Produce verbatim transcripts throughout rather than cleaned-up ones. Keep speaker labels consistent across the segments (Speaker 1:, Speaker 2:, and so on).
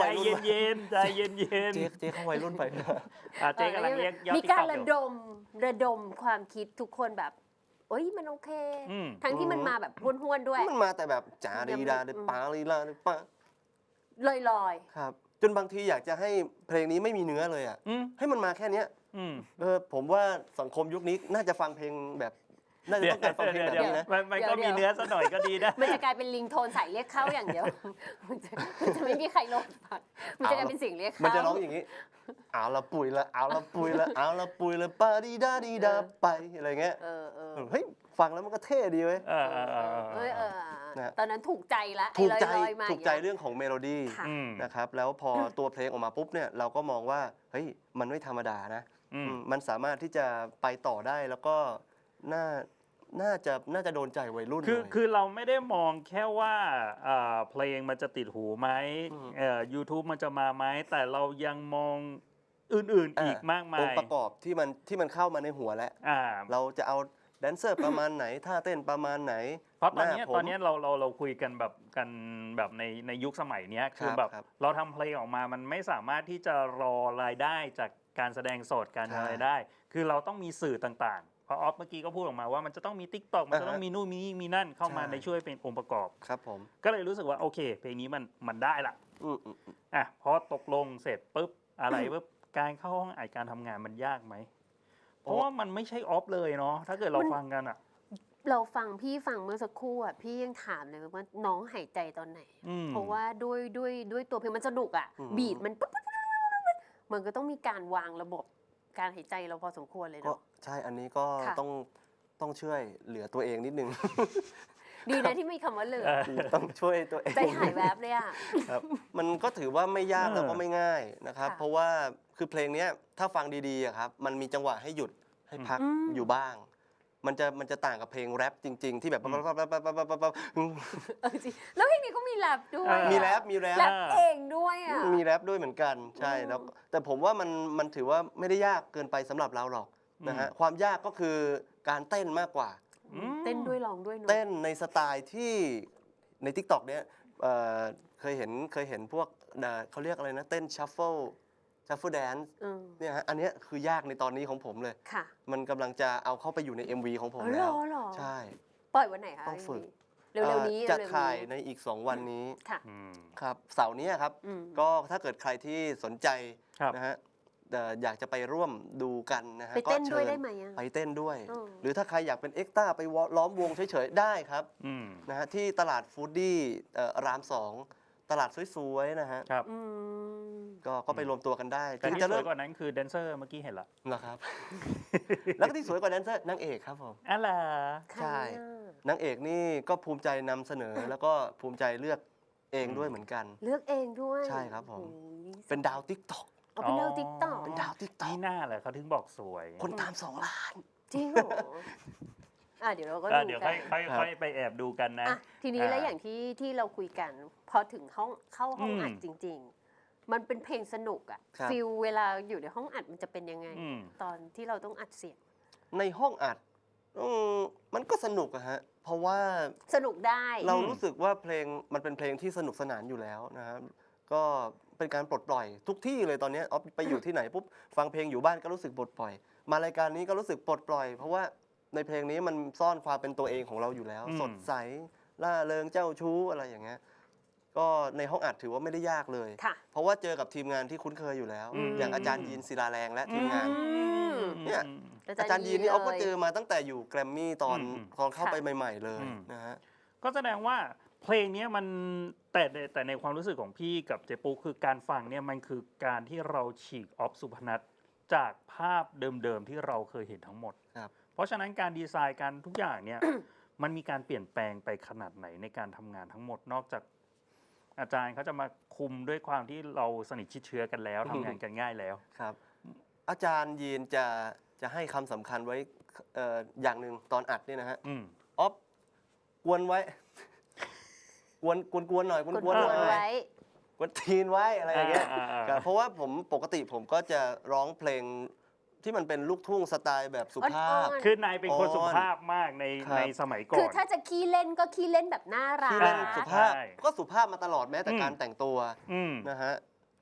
Speaker 1: วัยรุ่น
Speaker 2: ใจเย็นๆใจเย็นๆ
Speaker 1: เจ๊เจ๊เข้าวัยรุ่นไป
Speaker 2: อ่ะเจ๊กำลังเรียกยอด
Speaker 3: มี
Speaker 2: ติ๊ก
Speaker 3: การ
Speaker 2: ต็อก
Speaker 3: ระ
Speaker 2: อยู่
Speaker 3: ดมระดมความคิดทุกคนแบบเอ้ยมันโอเค
Speaker 2: อืม
Speaker 3: ทั้งที่มันมาแบบห้วนๆด้วย
Speaker 1: มันมาแต่แบบจ๋าดีดาดิปาลีลาดิปา
Speaker 3: ลอย
Speaker 1: ครับ จนบางทีอยากจะให้เพลงนี้ไม่มีเนื้อเลยอ่ะ
Speaker 2: อืม
Speaker 1: ให้มันมาแค่เนี้ย
Speaker 2: อืม
Speaker 1: เออผมว่าสังคมยุคนี้น่าจะฟังเพลงแบบน่าจะต้องการฟังเพลงแบบนี้นะ
Speaker 2: มันมันก็มีเนื้อสักหน่อยก็ดีนะ
Speaker 3: ๆมันจะกลายเป็นลิงโทนใส่เรียกเข้าอย่างเดียว มันจะมันจะไม่มีใครลงฟังมันจะกลายเป็นเสียงเรียกเข้า
Speaker 1: มันจะร้องอย่างนี้เอาละปุ๋ยละเอาละปุ๋ยละเอาละปุ๋ยละปาดีดาดีดาไปอะไรเงี้ย
Speaker 3: เออเออ
Speaker 1: เฮ้ยฟังแล้วมันก็เท่ดีเว้ย
Speaker 2: เออเออเออ
Speaker 3: เออเออ
Speaker 1: นะ
Speaker 3: ตอนนั้นถูกใจละ
Speaker 1: ถูกใจ
Speaker 3: ไอ้ลอยๆมา
Speaker 1: ถูกใจเรื่องของเมโลดี้
Speaker 3: ค่ะ
Speaker 2: อืม
Speaker 1: นะครับแล้วพอตัวเพลงออกมาปุ๊บเนี่ยเราก็มองว่าเฮ้ยมันไม่ธรรมดานะ
Speaker 2: อืม
Speaker 1: อืมมันสามารถที่จะไปต่อได้แล้วก็น่าน่าจะน่าจะโดนใจวัยรุ่น
Speaker 2: คือ
Speaker 1: เลย
Speaker 2: คือเราไม่ได้มองแค่ว่าอ่าเพลงมันจะติดหูไหม
Speaker 1: อืม
Speaker 2: เอ่อ YouTube มันจะมาไหมแต่เรายังมองอื่นๆอีกมากมา
Speaker 1: อง
Speaker 2: ย
Speaker 1: ค์ประกอบที่มันที่มันเข้ามาในหัวแล้ว
Speaker 2: อ่า
Speaker 1: เราจะเอาแดนเซอร์ประมาณไหนท่าเต้นประมาณไหน
Speaker 2: เพราะตอนเนี้ย
Speaker 1: หผม
Speaker 2: ตอนเนี้ยเราเราเราคุยกันแบบกันแบบในในยุคสมัยเนี้ยคือ
Speaker 1: ครับ
Speaker 2: แบบ
Speaker 1: ครับ
Speaker 2: เราทำเพลงออกมามันไม่สามารถที่จะรอรายได้จากการแสดงสดการ
Speaker 1: ใช่
Speaker 2: อะไรได้ คือเราต้องมีสื่อต่างๆเพราะออฟเมื่อกี้ก็พูดออกมาว่ามันจะต้องมี TikTok มันจะต้อง
Speaker 1: อ่าฮะ
Speaker 2: มีนู่นมีนี่มีนั่นเข้ามา
Speaker 1: ใช่
Speaker 2: ในช่วยเป็นองค์ประกอบ
Speaker 1: ครับผม
Speaker 2: ก็เลยรู้สึกว่าโอเค เพลงนี้มันมันได้ละ
Speaker 1: อืมอืมอืม
Speaker 2: อ่ะพอตกลงเสร็จปุ๊บอะไรปุ๊บการเข้าห้องอัดการทำงานมันยากไหมเพราะว่ามันไม่ใช่ออฟเลยเนาะถ้าเกิดเราฟังกันอ่ะ
Speaker 3: เราฟังพี่ฟังเมื่อสักครู่อ่ะพี่ยังถามเลยว่าน้องหายใจตอนไหน
Speaker 2: อืม
Speaker 3: เพราะว่าด้วยด้วยด้วยตัวเพลงมันสนุกอ่ะ
Speaker 1: อืม
Speaker 3: บีทมันปุ๊บปุ๊บปุ๊บปุ๊บปุ๊บมันก็ต้องมีการวางระบบการหายใจเราพอสมควรเลย
Speaker 1: ก็
Speaker 3: เนาะ
Speaker 1: ใช่อันนี้ก็
Speaker 3: ค่ะ
Speaker 1: ต้องต้องช่วยเหลือตัวเองนิดนึง
Speaker 3: ดีนะที่มีคำว่าเหลือ
Speaker 1: ต้องช่วยตัวเอง
Speaker 3: ใจหายแวบเลยอ่ะ
Speaker 1: ครับมันก็ถือว่าไม่ยาก
Speaker 2: เออ
Speaker 1: แล้วก็ไม่ง่ายนะครับ
Speaker 3: ค่ะ
Speaker 1: เพราะว่าคือเพลงเนี้ยถ้าฟังดีๆอะครับมันมีจังหวะให้หยุดให้พัก
Speaker 3: อืม
Speaker 1: อยู่บ้าง มันจะมันจะต่างกับเพลงแรปจริง ๆ ที่แบบปั๊บปั๊บปั๊บปั๊บปั๊บปั๊บปั๊บ
Speaker 3: เออจริงแล้วเพลงนี้ก็มีแรปด้วยอะ
Speaker 1: มีแรปมีแรป
Speaker 3: แรปเองด้วยอ่ะ
Speaker 1: มีแรปด้วยเหมือนกันใช่
Speaker 3: อืม
Speaker 1: แล้วแต่ผมว่ามันมันถือว่าไม่ได้ยากเกินไปสำหรับเราหรอกนะฮะความยากก็คือการเต้นมากกว่า
Speaker 2: อืม
Speaker 3: เต้นด้วยร้องด้วยเนาะ
Speaker 1: เต้นในสไตล์ที่ใน TikTok เนี้ยเอ่อเคยเห็นเคยเห็นพวกเอ่อเขาเรียกอะไรนะ เต้นชัฟเฟิลชัฟเฟิลแดนซ์
Speaker 3: อืม
Speaker 1: เนี่ยฮะอันเนี้ยคือยากในตอนนี้ของผมเลย
Speaker 3: ค่ะ
Speaker 1: มันกำลังจะเอาเข้าไปอยู่ใน เอ็ม วี ของผม
Speaker 3: อ๋อเหรอ
Speaker 1: แล้ว
Speaker 3: เหรอ
Speaker 1: ใช่
Speaker 3: ปล่อยวันไหนคะ
Speaker 1: ต้องฝึก
Speaker 3: เร็วๆนี้
Speaker 1: เอ่อจะ
Speaker 3: เร็วๆ
Speaker 1: ถ่าย
Speaker 3: นี้
Speaker 1: ในอีก สอง วันนี้
Speaker 3: ค่ะ
Speaker 2: อืม
Speaker 1: ครับเสาร์นี้ครับ
Speaker 3: อืม
Speaker 1: ก็ถ้าเกิดใครที่สนใจ
Speaker 2: ครับ
Speaker 1: นะฮะเอ่ออยากจะไปร่วมดูกันนะฮะ
Speaker 3: ไปเต้น
Speaker 1: ก็ชิญ
Speaker 3: ด้วยได้ไหมอะ
Speaker 1: ไปเต้นด้วย
Speaker 3: อืม
Speaker 1: หรือถ้าใครอยากเป็นเอ็กซ์ต้าไปวอล้อมวงเฉยๆได้ครับ
Speaker 2: อืม
Speaker 1: นะฮะที่ตลาดฟู้ดดี้เอ่อรามสองตลาดสวยๆนะฮะ
Speaker 2: ครับ
Speaker 3: อืม
Speaker 1: ก็ก็ไปรวมตัวกันได้
Speaker 2: แต่
Speaker 1: ถึง
Speaker 2: ที่
Speaker 1: จะ
Speaker 2: สว
Speaker 1: เริ่
Speaker 2: ย
Speaker 1: ม
Speaker 2: กว่านั้นคือแดนเซอร์เมื่อกี้เห็นละ
Speaker 1: นะครับ แล้วก็ที่สวยกว่าแดนเซอร์นางเอกครับผม
Speaker 2: อะไร
Speaker 1: ใช่
Speaker 3: ใครอะ
Speaker 1: นางเอกนี่ก็ภูมิใจนำเสนอ แล้วก็ภูมิใจเลือกเองด้วยเหมือนกัน
Speaker 3: เลือกเองด้วย
Speaker 1: ใช่ครับผม
Speaker 3: โอ้ย
Speaker 1: เป็นดาวติ๊กต็อก
Speaker 3: เอาเป็นดาวติ๊กต็อก
Speaker 1: เป็นดาวติ๊กต็อก
Speaker 2: นี่หน้าเลยเขาถึงบอกสวย
Speaker 1: คนตามสองล้าน
Speaker 3: จริงเหรออ่ะเดี๋ยวเราก็
Speaker 2: อ่ะ
Speaker 3: ดู
Speaker 2: เดี๋ยว
Speaker 3: กั
Speaker 2: ค่อน ยค่อย
Speaker 1: ครับ
Speaker 2: ค่อยไปแอบดูกันนะ
Speaker 3: อ่ะทีนี้
Speaker 2: อ่า
Speaker 3: แล้วอย่างที่ที่เราคุยกัน พอถึงห้องเข้าห้อง
Speaker 2: อืม
Speaker 3: อัดจริง ๆ มันเป็นเพลงสนุกอะ
Speaker 1: ครับ
Speaker 3: ฟิลเวลาอยู่ในห้องอัดมันจะเป็นยังไง
Speaker 2: อืม
Speaker 3: ตอนที่เราต้องอัดเสียง
Speaker 1: ในห้องอัดอืมมันก็สนุกอะฮะ เพราะว่า
Speaker 3: สนุกได้
Speaker 1: เรารู้สึกว่าเพลงมันเป็นเพลงที่สนุกสนานอยู่แล้วนะครับก็เป็นการปลดปล่อยทุกที่เลยตอนนี้ออฟไปอยู่ที่ไหนปุ๊บฟังเพลงอยู่บ้านก็รู้สึกปลดปล่อย มารายการนี้ก็รู้สึกปลดปล่อย เพราะว่าในเพลงนี้มันซ่อนความเป็นตัวเองของเราอยู่แล้ว
Speaker 2: อืม
Speaker 1: สดใสล่าเริงเจ้าชู้อะไรอย่างเงี้ยก็ในห้องอัดถือว่าไม่ได้ยากเลย
Speaker 3: ค่ะ
Speaker 1: เพราะว่าเจอกับทีมงานที่คุ้นเคยอยู่แล้ว
Speaker 2: อืม
Speaker 1: อย่างอาจารย์ยีนศิลาแรงและทีมงาน
Speaker 3: ม
Speaker 1: เนี่ย อาจารย์ยีนนี่ออฟก็เจอมาตั้งแต่อยู่แกรมมี่ตอน
Speaker 2: อืม
Speaker 1: ตอนเข้าไป
Speaker 3: ค่ะ
Speaker 1: ใหม่ ๆ เลย
Speaker 2: อืม
Speaker 1: นะฮะ
Speaker 2: ก็แสดงว่าเพลงเนี้ยมันแต่ในแต่ในความรู้สึกของพี่กับเจปูคือการฟังเนี่ยมันคือการที่เราฉีกออฟสุพนัทจากภาพเดิมๆที่เราเคยเห็นทั้งหมด
Speaker 1: ครับ
Speaker 2: เพราะฉะนั้นการดีไซน์การทุกอย่างเนี่ย มันมีการเปลี่ยนแปลงไปขนาดไหนในการทำงานทั้งหมด นอกจากอาจารย์เขาจะมาคุมด้วยความที่เราสนิทชิดเชื้อกันแล้วทำงานกันง่ายแล้ว
Speaker 1: ครับ อาจารย์ยีนจะจะให้คำสำคัญไว้เอ่ออย่างหนึ่งตอนอัดเนี่ยนะฮะ
Speaker 2: อืม
Speaker 1: ออฟกวนไว้ กวนกวนกวนหน่อยกวน
Speaker 3: ก
Speaker 1: กวน
Speaker 3: ด
Speaker 1: หน่อย
Speaker 3: ไว้
Speaker 1: กวนทีนไว้อะไรอย่างเงี้ย
Speaker 2: อ่าอ่าอ่า
Speaker 1: ครับเพราะว่าผมปกติผมก็จะร้องเพลงที่มันเป็นลูกทุ่งสไตล์แบบสุภาพ
Speaker 3: อ่อน
Speaker 2: คือนายเป็นคน
Speaker 1: อ่อน
Speaker 2: สุภาพมากใน
Speaker 1: ครับ
Speaker 2: ในสมัยก่
Speaker 3: คือ
Speaker 2: อน
Speaker 3: ถ้าจะขี้เล่นก็ขี้เล่นแบบน่ารัก
Speaker 1: ที่เล่นสุภาพ
Speaker 2: ใช่
Speaker 1: ก็สุภาพมาตลอดแม้แต่
Speaker 2: อืม
Speaker 1: การแต่งตัว
Speaker 2: อืม
Speaker 1: นะฮะ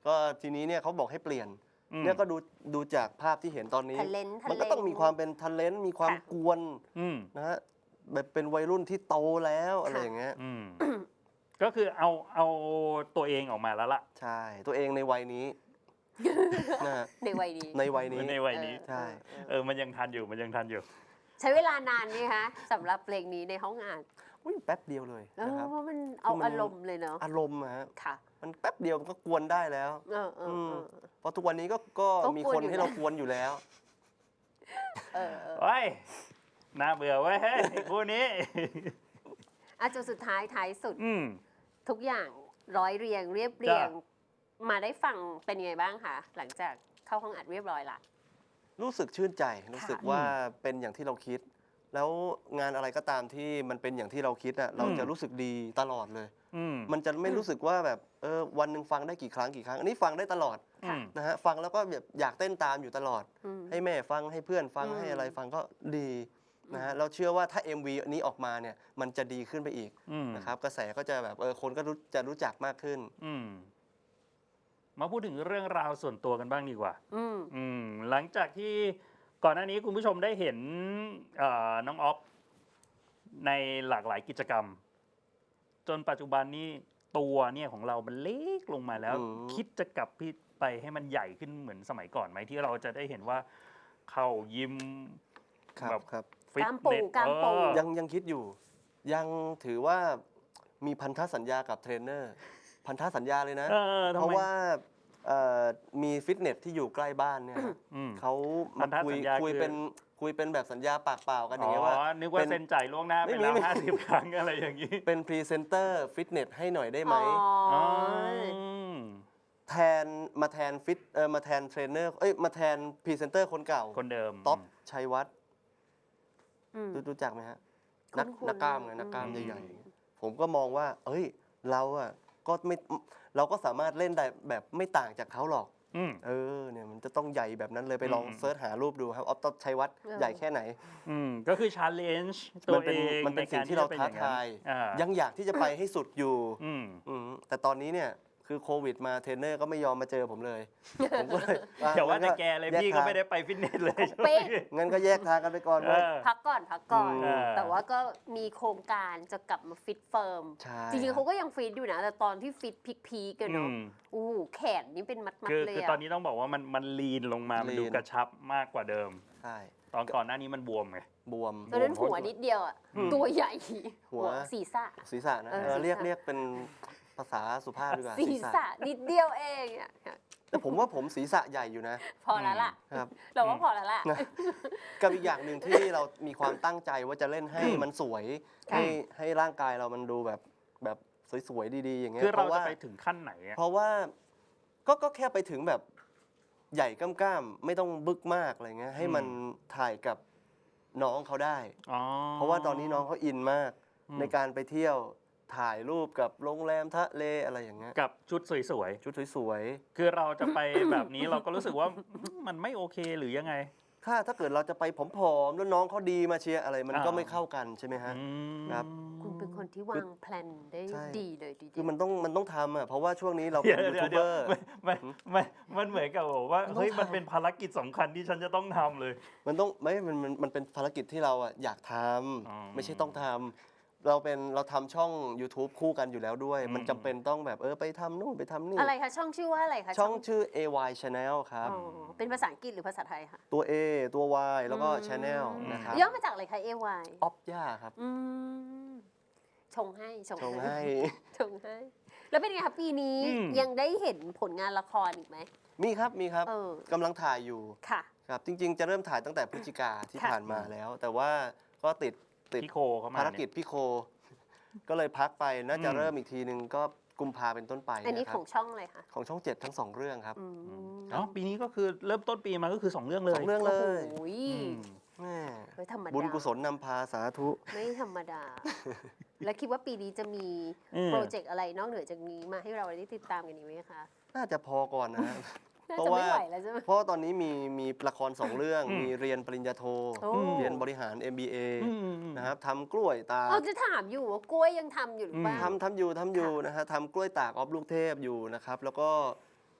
Speaker 1: ก็ทีนี้เนี่ยเขาบอกให้เปลี่ยน
Speaker 2: อืม
Speaker 1: เนี่ยก็ดูดูจากภาพที่เห็นตอนนี้
Speaker 3: ทะเลนทะ
Speaker 1: มัน
Speaker 3: เล
Speaker 1: ก็ต้องมีความเป็นทันเลนมีความ
Speaker 3: ค่ะ
Speaker 1: กวน
Speaker 2: อืม
Speaker 1: นะฮะแบบเป็นวัยรุ่นที่โตแล้วอะไรอย่างเงี้ย
Speaker 2: อืม ก็คือเอาเอาตัวเองออกมาแล้วล่ะ
Speaker 1: ใช่ ตัวเองในวัยนี้ นะฮะ
Speaker 3: ในวัยนี้
Speaker 1: ในวัยนี้
Speaker 2: ในวัยนี้
Speaker 1: ใช่
Speaker 3: เออ
Speaker 2: เออมันยังทันอยู่มันยังทันอยู่
Speaker 3: ใช้เวลานานไหมคะสำหรับเพลงนี้ในห้องอ่าน
Speaker 1: อุ๊ยแป๊บเดียวเลย
Speaker 3: เออ
Speaker 1: นะครับ
Speaker 3: เพราะมันเอา
Speaker 1: คือมัน
Speaker 3: อารมณ์เลยเนาะ
Speaker 1: อารมณ์อะฮะ
Speaker 3: ค่ะ
Speaker 1: มันแป๊บเดียวมันก็กวนได้แล้ว
Speaker 3: เออเออเออ
Speaker 1: เพราะทุกวันนี้ก็ก็
Speaker 3: ก็
Speaker 1: มี
Speaker 3: กวน
Speaker 1: คน
Speaker 3: อยู่
Speaker 1: ให้
Speaker 3: แล้ว
Speaker 1: เรากวนอยู่แล้ว
Speaker 3: เออเออ
Speaker 2: เฮ้ย น่าเบื่อเว้ยเฮ้ยคู่นี้
Speaker 3: อ่ะจนสุดท้ายท้ายสุด
Speaker 2: อืม
Speaker 3: ทุกอย่างร้อยเรียงเรียบเรียง มาได้ฟังเป็นยังไงบ้างคะหลังจากเข้าห้องอัดเรียบร้อยละ
Speaker 1: รู้สึกชื่นใจ รู้สึก
Speaker 2: ค่ะ
Speaker 1: ว่าเป็นอย่างที่เราคิด แล้วงานอะไรก็ตามที่มันเป็นอย่างที่เราคิดอะเราจะรู้สึกดีตลอดเลย
Speaker 2: อืม
Speaker 1: มันจะไม่รู้สึกว่าแบบเออวันหนึ่งฟังได้กี่ครั้งกี่ครั้ง อันนี้ฟังได้ตลอด
Speaker 2: อืม
Speaker 1: นะฮะฟังแล้วก็แบบอยากเต้นตามอยู่ตลอด
Speaker 3: อืม
Speaker 1: ให้แม่ฟังให้เพื่อนฟัง
Speaker 3: อืม
Speaker 1: ให้อะไรฟังก็ดีนะฮะเราเชื่อว่าถ้า เอ็ม วี อันนี้ออกมาเนี่ยมันจะดีขึ้นไปอีก
Speaker 2: อืม
Speaker 1: นะครับกระแสก็จะแบบเออคนก็รู้จะรู้จักมากขึ้น
Speaker 2: อืม มาพูดถึงเรื่องราวส่วนตัวกันบ้างดีกว่า
Speaker 3: อืม
Speaker 2: อืม หลังจากที่ก่อนหน้านี้คุณผู้ชมได้เห็นเอ่อน้องออฟในหลากหลายกิจกรรม จนปัจจุบันนี้ตัวเนี่ยของเรามันเล็กลงมาแล้ว
Speaker 1: อืม
Speaker 2: คิดจะกลับพี่ไปให้มันใหญ่ขึ้นเหมือนสมัยก่อนไหมที่เราจะได้เห็นว่าเข้ายิม
Speaker 1: ครับ
Speaker 2: แบบ
Speaker 1: ครับ
Speaker 2: ฟิต
Speaker 3: กล้ามปู
Speaker 2: เนส
Speaker 3: กล้ามปู
Speaker 2: เออ
Speaker 1: ยังยังคิดอยู่ ยังถือว่ามีพันธสัญญากับเทรนเนอร์ พันธสัญญาเลยนะ
Speaker 2: เออทำไม
Speaker 1: เพราะว่าเอ่อมีฟิตเนสที่อยู่ใกล้บ้านเนี่ยฮะ
Speaker 2: อืม
Speaker 1: เขา
Speaker 2: พั
Speaker 1: มาน
Speaker 2: ธ
Speaker 1: คุย
Speaker 2: สัญญา
Speaker 1: คุย
Speaker 2: คือ
Speaker 1: เป็นคุยเป็นแบบสัญญาปากเปล่ากันอ
Speaker 2: อ๋
Speaker 1: ย่างเงี้ยว่า
Speaker 2: อ นึกว่า
Speaker 1: เป็น
Speaker 2: เซ็นจ่ายล่วงหน้าไป
Speaker 1: ไม่มี
Speaker 2: แล้ว
Speaker 1: ไม่
Speaker 2: ห้าสิบครั้งอะไรอย่างนี้
Speaker 1: เป็นพรีเซนเตอร์ฟิตเนสให้หน่อยได้ไหม
Speaker 3: อ๋อ
Speaker 2: ม
Speaker 1: แทนมาแทนฟิตเออมาแทนเทรนเนอร์เอ้ยมาแทนพรีเซนเตอร์คนเก่า
Speaker 2: คนเดิม
Speaker 1: ท็อปชัยวัฒน์
Speaker 3: อืม
Speaker 1: รู้รู้จักไหมฮะ นัก
Speaker 3: คุ้นๆ
Speaker 1: นักกล้ามไง
Speaker 3: อืม
Speaker 1: นักกล้ามใหญ่ๆ ผมก็มองว่า เอ้ย เราอะก็ไม่เราก็สามารถเล่นได้แบบไม่ต่างจากเขาหรอก
Speaker 2: อืม
Speaker 1: เออเนี่ยมันจะต้องใหญ่แบบนั้นเลยไปลอง
Speaker 2: อืม
Speaker 1: เซิร์ชหารูปดูครับออฟท็อปชัยวัฒน์
Speaker 3: เออ
Speaker 1: ใหญ่แค่ไหน
Speaker 2: อืมก็คือชาเลนจ์ตั
Speaker 1: มั
Speaker 2: วน
Speaker 1: เป็น
Speaker 2: เอง
Speaker 1: มันเป็น
Speaker 2: ใก
Speaker 1: สิ่งที่เรา
Speaker 2: จะ
Speaker 1: ท้า
Speaker 2: อย่งนั้น
Speaker 1: ทาย
Speaker 2: อ่า
Speaker 1: ยังอยากที่จะไปให้สุดอยู่
Speaker 2: อืม
Speaker 1: อืมแต่ตอนนี้เนี่ยคือโควิดมาเทรนเนอร์ก็ไม่ยอมมาเจอผมเลย ผมก็เลยอ่ะ
Speaker 2: เดี๋ยวว่า
Speaker 1: งั้น
Speaker 2: แต่แกเลย
Speaker 1: แย
Speaker 2: พี่ก็
Speaker 1: ทาง
Speaker 2: ไม่ได้ไปฟิตเนสเลย
Speaker 3: เป๊ะ
Speaker 1: งั้นก็แยกทางกันไปก่อน
Speaker 2: เออ
Speaker 3: พักก่อนพักก่อน
Speaker 1: อืม
Speaker 3: แต่ว่าก็มีโครงการจะกลับมาฟิตเฟิร์ม
Speaker 1: ใช่
Speaker 3: จริงๆเขาก็ยังฟิตอยู่นะ แต่ตอนที่ฟิตพีคๆกัน
Speaker 2: อื
Speaker 3: เนาะ
Speaker 2: ม
Speaker 3: อู้หูแขนนี่เป็นมัด
Speaker 2: คือ
Speaker 3: ๆเลย
Speaker 2: คือ
Speaker 3: อะ
Speaker 2: ตอนนี้ต้องบอกว่ามันมันลีนลงมา มันดู
Speaker 1: ลีน
Speaker 2: กระชับมากกว่าเดิม
Speaker 1: ใช่
Speaker 2: ตอนก่อนหน้านี้มันบวมไง
Speaker 1: บวม
Speaker 3: ตอนนั้นหัวนิดเดียวอะ
Speaker 2: อืม
Speaker 3: ตัวใหญ่
Speaker 1: หัว
Speaker 3: ศีรษะ
Speaker 1: ศีรษะนะ
Speaker 3: เออ
Speaker 1: เออเรียก
Speaker 3: ศีรษะ
Speaker 1: เรียกเป็นภาษาสุภาพดีกว่า
Speaker 3: ศีรษะนิดเดียวเองอะ
Speaker 1: แต่ผมว่าผมศีรษะใหญ่อยู่นะ
Speaker 3: พอแล้วล่ะ
Speaker 1: ครับ
Speaker 3: เราว่าพอแล้วล่ะ
Speaker 1: นะกับอีกอย่างหนึ่งที่เรามีความตั้งใจว่าจะเล่นให้มันสวย
Speaker 3: ค่ะ
Speaker 1: ให้ให้ร่างกายเรามันดูแบบแบบสวยๆดีๆอย่างเงี้ย
Speaker 2: คือเรา
Speaker 1: พะ
Speaker 2: จะ
Speaker 1: ว่า
Speaker 2: ไปถึงขั้นไหนอะ
Speaker 1: เพราะว่าก็ก็แค่ไปถึงแบบใหญ่ก้ามๆไม่ต้องบึกมากอะไรเงี้ยให้มันถ่ายกับน้องเขาได้
Speaker 2: อ๋อ
Speaker 1: เพราะว่าตอนนี้น้องเขาอินมาก
Speaker 2: อืม
Speaker 1: ในการไปเที่ยวถ่ายรูปกับโรงแรมทะเลอะไรอย่างเงี้ย
Speaker 2: กับชุดสวย
Speaker 1: ชุดสวย
Speaker 2: ๆ คือเราจะไปแบบนี้เราก็รู้สึกว่า มันไม่โอเคหรือยังไง
Speaker 1: ๆถ้าถ้าเกิดเราจะไปผอมๆแล้วน้องเขาดีมาเชียร์อะไรมันก็
Speaker 2: อ่า
Speaker 1: ไม่เข้ากันใช่ไหมฮะ
Speaker 2: อืม
Speaker 1: ครับ
Speaker 3: คุณเป็นคนที่วางแผนได้
Speaker 1: ใช่
Speaker 3: ดีเลยดี
Speaker 1: คือมันต้องมันต้องทำอ่ะเพราะว่าช่วงนี้เรา
Speaker 2: เดี๋
Speaker 1: เป็
Speaker 2: ย
Speaker 1: น
Speaker 2: ว
Speaker 1: ยู
Speaker 2: เดี๋ยว
Speaker 1: ทูบเบ
Speaker 2: เดี๋ยว
Speaker 1: อร์
Speaker 2: มันมันมันมันเหมือนกับบอกว่า
Speaker 1: มันต้อง
Speaker 2: เฮ้ยมัน
Speaker 1: ทำ
Speaker 2: เป็นภารกิจสำคัญที่ฉันจะต้องทำเลย
Speaker 1: มันต้องไม่มันมันมันเป็นภารกิจที่เราอ่ะอยากท
Speaker 2: อ๋อ
Speaker 1: ำไม่ใช่ต้องทำเราเป็นเราทำช่อง YouTube คู่กันอยู่แล้วด้วย
Speaker 2: อืม
Speaker 1: มันจำเป็นต้องแบบเออไปทำนู่นไปทำนี่
Speaker 3: อะไรคะช่องชื่อว่าอะไรคะ
Speaker 1: ช่องชื่อ เอ วาย Channel ครับ
Speaker 3: อ๋อเป็นภาษาอังกฤษหรือภาษาไทยคะ
Speaker 1: ตัว A ตัว Y แล้วก็ Channel นะครับ
Speaker 3: ย่อมาจากอะไรคะ เอ วาย
Speaker 1: ออฟย่าครับ
Speaker 3: อืมชงให้ชง
Speaker 1: ชงให้
Speaker 3: ชงให้ แล้วเป็นไงคะปีนี้
Speaker 2: อืม
Speaker 3: ยังได้เห็นผลงานละครอีกไหม
Speaker 1: มีครับมีครับ
Speaker 3: เออ
Speaker 1: กำลังถ่ายอยู่
Speaker 3: ค่ะ
Speaker 1: ครับจริง ๆ จะเริ่มถ่ายตั้งแต่พฤศจิกาที่
Speaker 3: ค่ะ
Speaker 1: ผ่านมาแล้ว แต่ว่าก็ติดติด
Speaker 2: พี่โคเข้ามา
Speaker 1: ภารกิจ
Speaker 2: เนี่ย
Speaker 1: พี่โค ก็เลยพักไปน่าจะ
Speaker 2: อืม
Speaker 1: เริ่มอีกทีนึงก็กุมภาเป็นต้นไป
Speaker 3: อันนี้
Speaker 1: นะค
Speaker 3: ข
Speaker 1: รั
Speaker 3: อบ งช่องอะไรคะ
Speaker 1: ของช่องเจ็ดทั้งสองเรื่องครับ
Speaker 3: อืม
Speaker 2: อ๋อปีนี้ก็คือเริ่มต้นปีมาก็คือสองเรื่องเลย
Speaker 1: สองเรื่องเลย
Speaker 3: โอ้ย
Speaker 2: อืม
Speaker 1: แม่
Speaker 3: เฮ้ยธรรมดา
Speaker 1: บุญกุศลนำพาสาธุ
Speaker 3: ไม่ธรรมดา แล้วคิดว่าปีนี้จะมี
Speaker 2: อืม
Speaker 3: โปรเจกต์อะไรนอกเหนือจากนี้มาให้เราได้ติดตามกันอีกไหมคะ
Speaker 1: น่าจะพอก่อนนะฮะ
Speaker 3: น่า
Speaker 1: เพราะ
Speaker 3: จะไม่
Speaker 1: ว่า
Speaker 3: ไหวแล้วใช่ไหม
Speaker 1: เพราะว่าตอนนี้มีมีละครสองเรื่อง
Speaker 2: อืม
Speaker 1: มีเรียนปริญญาโท
Speaker 3: โอ้
Speaker 1: เรียนบริหาร เอ็ม บี เอ
Speaker 2: อืมอืมอืม
Speaker 1: นะครับทำกล้วยตาก
Speaker 3: เราจะถามอยู่ว่ากล้วยยังทำอยู่หรือเปล่า
Speaker 1: ทำทำอยู่ทำอยู่นะฮะทำกล้วยตากออฟลูกเทพอยู่นะครับ แล้วก็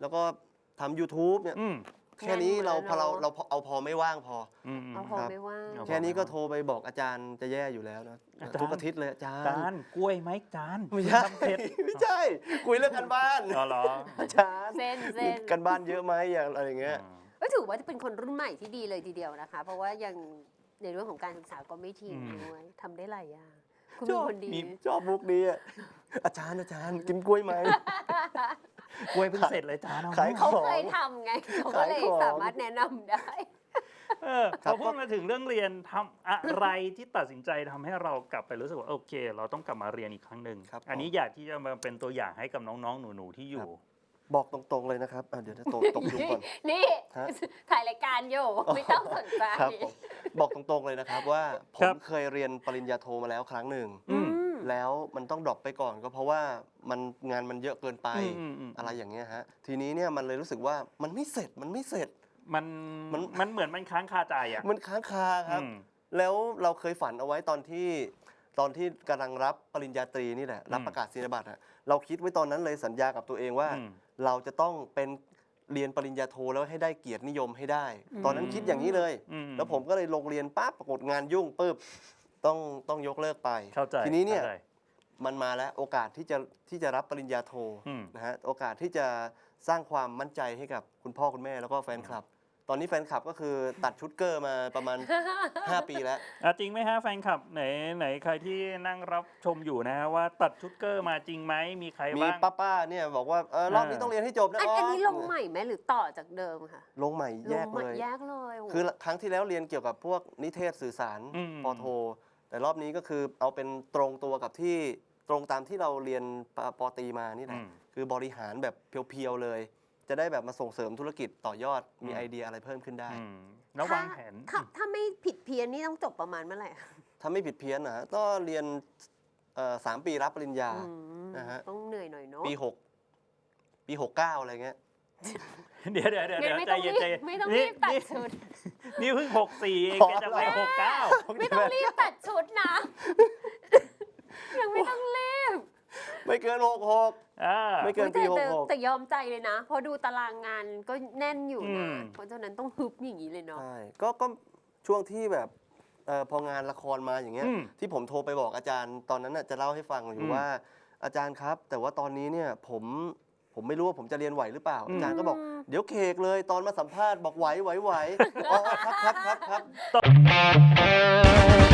Speaker 1: แล้วก็ทำ YouTube เนี่ย
Speaker 2: อืม
Speaker 1: แค่นี้เรา
Speaker 3: แน่นหมด
Speaker 1: พอเรา
Speaker 3: แล้วเนอะ
Speaker 1: เราเอาพอไม่ว่างพอ
Speaker 2: อืม
Speaker 3: เอาพอ
Speaker 1: ครับ
Speaker 3: ไม่ว่าง
Speaker 2: เอาพอ
Speaker 1: แค่นี้ก็โทรไปบอกอาจารย์จะแย่อยู่แล้วนะ
Speaker 2: อาจารย์
Speaker 1: ทุกอาทิตย์เลยอาจาร
Speaker 2: จา
Speaker 1: ย์
Speaker 2: นกล้วยไหมจาน
Speaker 1: ไม่ใช่
Speaker 2: ทำเผ็ด
Speaker 1: ไม่ใช่ คุยเรื่องกันบ้าน
Speaker 2: อ๋อเหรอ
Speaker 1: อาจารย์
Speaker 3: เส้นเส้น
Speaker 1: กันบ้านเยอะไหมอย่างอะไรอย่างเงี้ย
Speaker 3: ก็ถือว่าเป็นคนรุ่นใหม่ที่ดีเลยทีเดียวนะคะ เพราะว่ายังในเรื่องของการศึกษาก็ไม่ทิ้ง
Speaker 2: อืม
Speaker 3: ด้วยทำได้หลายอย่างคุณ
Speaker 1: ช
Speaker 3: เป็น
Speaker 1: อบ
Speaker 3: คนดี
Speaker 2: มี
Speaker 1: ชอบมุกนี้อะอาจารย์อาจารย์กินกล้วยไหม
Speaker 2: กล้วยเพิ่งเสร็จเลยจานเอา
Speaker 1: ขาย
Speaker 3: เขา
Speaker 1: ของ
Speaker 3: เคยทำไงเขาก็เลย
Speaker 1: ขายของ
Speaker 3: สามารถแนะนำได้
Speaker 2: เออ
Speaker 1: ครั
Speaker 2: พ
Speaker 1: บ
Speaker 2: อพูดมาถึงเรื่องเรียนทำอะไรที่ตัดสินใจทำให้เรากลับไปรู้สึกว่าโอเค เราต้องกลับมาเรียนอีกครั้งหนึ่ง
Speaker 1: ครับ
Speaker 2: อันนี้อยากที่จะมาเป็นตัวอย่างให้กับน้องๆ หนูๆ ที่อยู่
Speaker 1: บอกตรงๆเลยนะครับอ่ะเดี๋ยวจะตกตกยุงก่อน
Speaker 3: นี่
Speaker 1: ฮะ
Speaker 3: ถ่ายรายการอยู่ไม่ต้องสนใจ
Speaker 1: ครับผมบอกตรงๆเลยนะครับว่าผ
Speaker 2: ครั
Speaker 1: ม
Speaker 2: บ
Speaker 1: เคยเรียนปริญญาโทมาแล้วครั้งหนึ่ง
Speaker 2: อืม
Speaker 3: อืม
Speaker 1: แล้วมันต้องดรอปไปก่อนก็เพราะว่ามันงานมันเยอะเกินไป
Speaker 2: อืมอืม
Speaker 1: อะไรอย่างเงี้ยฮะทีนี้เนี่ยมันเลยรู้สึกว่ามันไม่เสร็จมันไม่เสร็จ
Speaker 2: มัน
Speaker 1: มัน
Speaker 2: มันเหมือนมันค้างคาใจอ่ะ
Speaker 1: มันค้างคาครับ
Speaker 2: อืม
Speaker 1: แล้วเราเคยฝันเอาไว้ตอนที่ตอนที่กำลังรับปริญญาตรีนี่แหละรับ
Speaker 2: อืม
Speaker 1: ประกาศนียบัตรอะเราคิดไว้ตอนนั้นเลยสัญญากับตัวเองว่า
Speaker 2: อืม
Speaker 1: เราจะต้องเป็นเรียนปริญญาโทแล้วให้ได้เกียรตินิยมให้ได้
Speaker 3: อืม
Speaker 1: ตอนนั้นคิดอย่างนี้เลย
Speaker 2: อืม
Speaker 1: แล้วผมก็เลยลงเรียนปั๊บปรากฏงานยุ่งปุ๊บต้องต้องยกเลิกไป
Speaker 2: เข้าใจ
Speaker 1: ทีนี้เนี่ย
Speaker 2: ข้าใจ
Speaker 1: มันมาแล้วโอกาสที่จะที่จะรับปริญญาโท
Speaker 2: อืม
Speaker 1: นะฮะโอกาสที่จะสร้างความมั่นใจให้กับคุณพ่อคุณแม่แล้วก็แฟนคลับ ตอนนี้แฟนคลับก็คือตัดชุดเกอร์มาประมาณ ห้า ปีแล้ว
Speaker 2: อ่ะจริงไหมฮะแฟนคลับไหนไหนใครที่นั่งรับชมอยู่นะฮะว่าตัดชุดเกอร์มาจริงไหมมีใคร
Speaker 1: มี
Speaker 2: บ้าง
Speaker 1: ป้าๆเนี่ยบอกว่าเออรอบนี้
Speaker 2: อ่า
Speaker 1: ต้องเรียนให้จบนะ
Speaker 3: อัน
Speaker 1: อ๋อ
Speaker 3: อัน
Speaker 1: อั
Speaker 3: นี้ลงใหม่ไหมหรือต่อจากเดิมค่ะ
Speaker 1: ลงใหม่แยก
Speaker 3: ลงใหม่
Speaker 1: เลย
Speaker 3: แยกเลยโโห
Speaker 1: คือครั้งที่แล้วเรียนเกี่ยวกับพวกนิเทศสื่อสาร
Speaker 2: อืม
Speaker 1: ปอโท แต่รอบนี้ก็คือเอาเป็นตรงตัวกับที่ตรงตามที่เราเรียนปปอตรีมานี่แห
Speaker 2: อื
Speaker 1: ละ
Speaker 2: ม
Speaker 1: คือบริหารแบบเพียวๆเลย จะได้แบบมาส่งเสริมธุรกิจต่อยอดมี
Speaker 2: อืม
Speaker 1: ไอเดียอะไรเพิ่มขึ้นได้
Speaker 2: อืมแล้ววางแผน
Speaker 3: ถ้าถ้าไม่ผิดเพี้ยนนี่ต้องจบประมาณเมื่อไหร่คะ
Speaker 1: ถ้าไม่ผิดเพี้ยนนะฮะก็เรียนเอ่อสามปีรับปริญญา
Speaker 3: อืม
Speaker 1: นะฮะ
Speaker 3: ต้องเหนื่อยหน่อยเนาะ
Speaker 1: ปีหกปีหกเก้าอะไรเงี้ย
Speaker 2: เดี๋ยวเดี๋ยวเดี๋ยว
Speaker 3: งั้น
Speaker 2: เดี๋ยว
Speaker 3: ไม่
Speaker 2: ใจ
Speaker 3: ต้อง
Speaker 2: เย็
Speaker 3: รี
Speaker 2: นใจ
Speaker 3: บ
Speaker 2: เย็น
Speaker 3: ไม่ต้อง
Speaker 2: นี่
Speaker 3: รีบตัด
Speaker 2: นี่
Speaker 3: ชุด
Speaker 2: นี่เพิ่งหกสี่เอง
Speaker 1: พอ
Speaker 2: แกจะไป
Speaker 1: แล้ว
Speaker 2: หกเก้า
Speaker 3: ไม่ต้องรีบตัดชุดนะ ยังไม่ต้องรีบ
Speaker 1: ไม่เกินหกหก
Speaker 2: อ่า
Speaker 1: ไม่เกิน
Speaker 3: แต่
Speaker 1: ปีห
Speaker 3: แต่
Speaker 1: กหก
Speaker 3: แต่ยอมใจเลยนะ เพราะดูตารางงานก็แน่นอยู่
Speaker 2: อื
Speaker 3: นะ
Speaker 2: ม
Speaker 3: เพราะฉะนั้นต้องฮึบอย่างนี้เลยเนาะ
Speaker 1: ใช่ก็ก็ช่วงที่แบบเอ่อพองานละครมาอย่างเงี้ย
Speaker 2: อืม
Speaker 1: ที่ผมโทรไปบอกอาจารย์ตอนนั้นน่ะจะเล่าให้ฟังอ
Speaker 2: อื
Speaker 1: ยู่
Speaker 2: ม
Speaker 1: ว่าอาจารย์ครับ แต่ว่าตอนนี้เนี่ยผมผมไม่รู้ว่าผมจะเรียนไหวหรือเปล่า
Speaker 2: อืม
Speaker 1: อาจารย์ก็บอกเดี๋ยวเคกเลยตอนมาสัมภาษณ์บอกไหวไหวไหวอ๋อครับครับครับครับ